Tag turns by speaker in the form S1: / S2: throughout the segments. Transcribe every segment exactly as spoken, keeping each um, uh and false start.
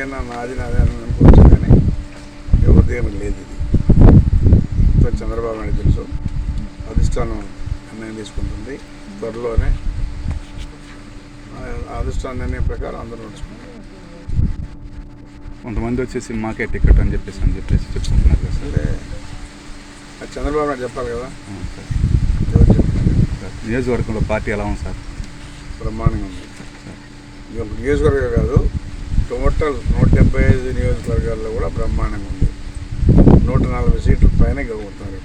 S1: ఏదైనా నాది నాది అని అనుకోవచ్చు, కానీ ఎవరిది ఏమి లేదు. ఇది చంద్రబాబు నాయుడు తెలుసు, అధిష్టానం నిర్ణయం తీసుకుంటుంది. త్వరలోనే అధిష్టాన నిర్ణయం ప్రకారం అందరూ నడుచుకుంటారు.
S2: కొంతమంది వచ్చేసి మాకే టికెట్ అని చెప్పేసి అని చెప్పేసి చెప్పుకుంటున్నారు కదా సార్.
S1: అంటే అది చంద్రబాబు నాయుడు చెప్పాలి కదా.
S2: సార్
S1: ఎవరు చెప్తున్నారు?
S2: నియోజకవర్గంలో పార్టీ ఎలా ఉంది సార్?
S1: బ్రహ్మాండంగా ఉంది. ఇది ఒక నియోజకవర్గం కాదు, టోటల్ నూట డెబ్బై ఐదు నియోజకవర్గాల్లో కూడా బ్రహ్మాండంగా ఉంది. నూట నలభై సీట్ల పైన గెలుపుతున్నారు.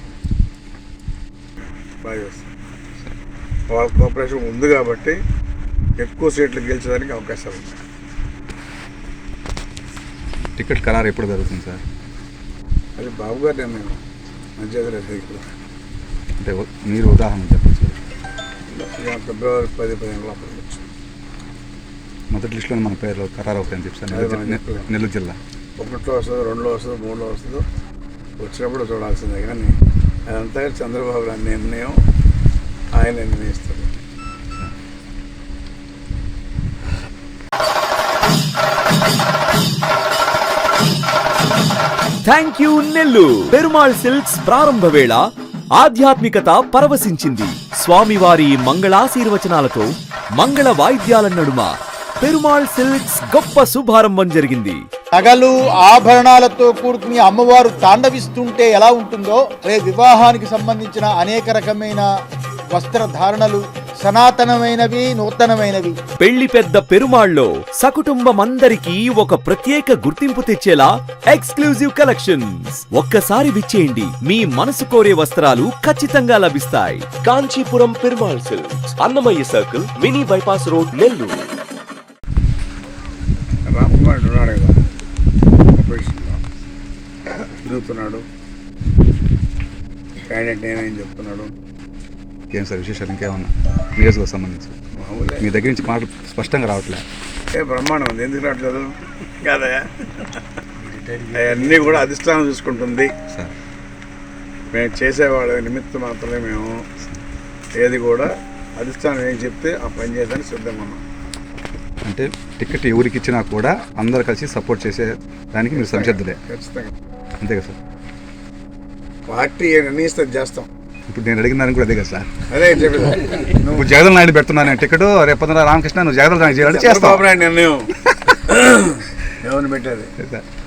S1: బాగా చేస్తారు. వాళ్ళ కోఆపరేషన్ ఉంది కాబట్టి ఎక్కువ సీట్లు గెలిచడానికి అవకాశాలు ఉన్నాయి.
S2: టికెట్ ఖరారు ఎప్పుడు జరుగుతుంది సార్?
S1: అది బాబు గారి నిర్ణయం, మంచిగా ఇక్కడ.
S2: అంటే మీరు ఉదాహరణ చెప్పచ్చు.
S1: ఫిబ్రవరి పది పదిహేను లోపల వచ్చు.
S2: మొదటి లిస్టులో మన పేర్లు ఖరారు అవుతాయని చెప్పారు. నెల్లూరు జిల్లా
S1: ఒకటిలో వస్తుందో, రెండులో వస్తుందో, మూడులో వస్తుందో, వచ్చినప్పుడు చూడాల్సిందే. కానీ అదంతా చంద్రబాబు గారి నిర్ణయం, ఆయన నిర్ణయిస్తాడు.
S3: Thank you Nellore. Perumal silks ప్రారంభ వేళ ఆధ్యాత్మికత పరవశించింది. స్వామివారి మంగళాశీర్వచనాలతో మంగళ వాయిద్యాల నడుమ పెరుమాళ్ సిల్క్స్ గొప్ప శుభారంభం జరిగింది.
S4: నగలు ఆభరణాలతో కూడుకుని అమ్మవారు తాండవిస్తుంటే ఎలా ఉంటుందో, రే వివాహానికి సంబంధించిన అనేక రకమైన వస్త్రధారణలు సనాతనమైనవి, నూతనమైనవి.
S3: పెళ్లి పెద్ద పెరుమాళ్లో సకుటుంబమందరికీ ఒక ప్రత్యేక గుర్తింపు తెచ్చేలా ఎక్స్క్లూజివ్ కలెక్షన్స్. ఒక్కసారి విచ్చేయండి, మీ మనసు కోరే వస్త్రాలు ఖచ్చితంగా లభిస్తాయి. Kanchipuram Perumal silks, Annamayya circle, mini bypass road, Nellore.
S1: Ramakumar ఉన్నాడు కదా, ఆపరేషన్లో తిరుగుతున్నాడు. క్యాండిడేట్ నేనేం చెప్తున్నాడు.
S2: ఏం సార్ విశేషాలు ఇంకేమన్నా నియోజకవర్గం సంబంధించి?
S1: మామూలే.
S2: మీ దగ్గర నుంచి మాటలు స్పష్టంగా రావట్లేదు.
S1: ఏ బ్రహ్మాండం ఉంది, ఎందుకు రావట్లేదు కాదయా? అవన్నీ కూడా అధిష్టానం చూసుకుంటుంది
S2: సార్.
S1: మేము చేసేవాళ్ళ నిమిత్తం మాత్రమే. మేము ఏది కూడా అధిష్టానం ఏం చెప్తే ఆ పని చేయడానికి సిద్ధంగా ఉన్నాం.
S2: అంటే టికెట్ ఎవరికి ఇచ్చినా కూడా అందరు కలిసి సపోర్ట్ చేసే దానికి మీరు సంసిద్ధులే?
S1: ఖచ్చితంగా.
S2: అంతే కదా సార్.
S1: పార్టీ నిర్ణయిస్తే చేస్తాం.
S2: ఇప్పుడు నేను అడిగిన దానికి కూడా అదే కదా సార్.
S1: అదే చెప్పేది.
S2: నువ్వు జగదల్ నాయుడు పెడుతున్నాను టికెట్, రేపు రామకృష్ణ నువ్వు జగదల్ నాయుడు చేయాలంటే చేస్తావు.
S1: నిర్ణయం ఎవరిని పెట్టేది?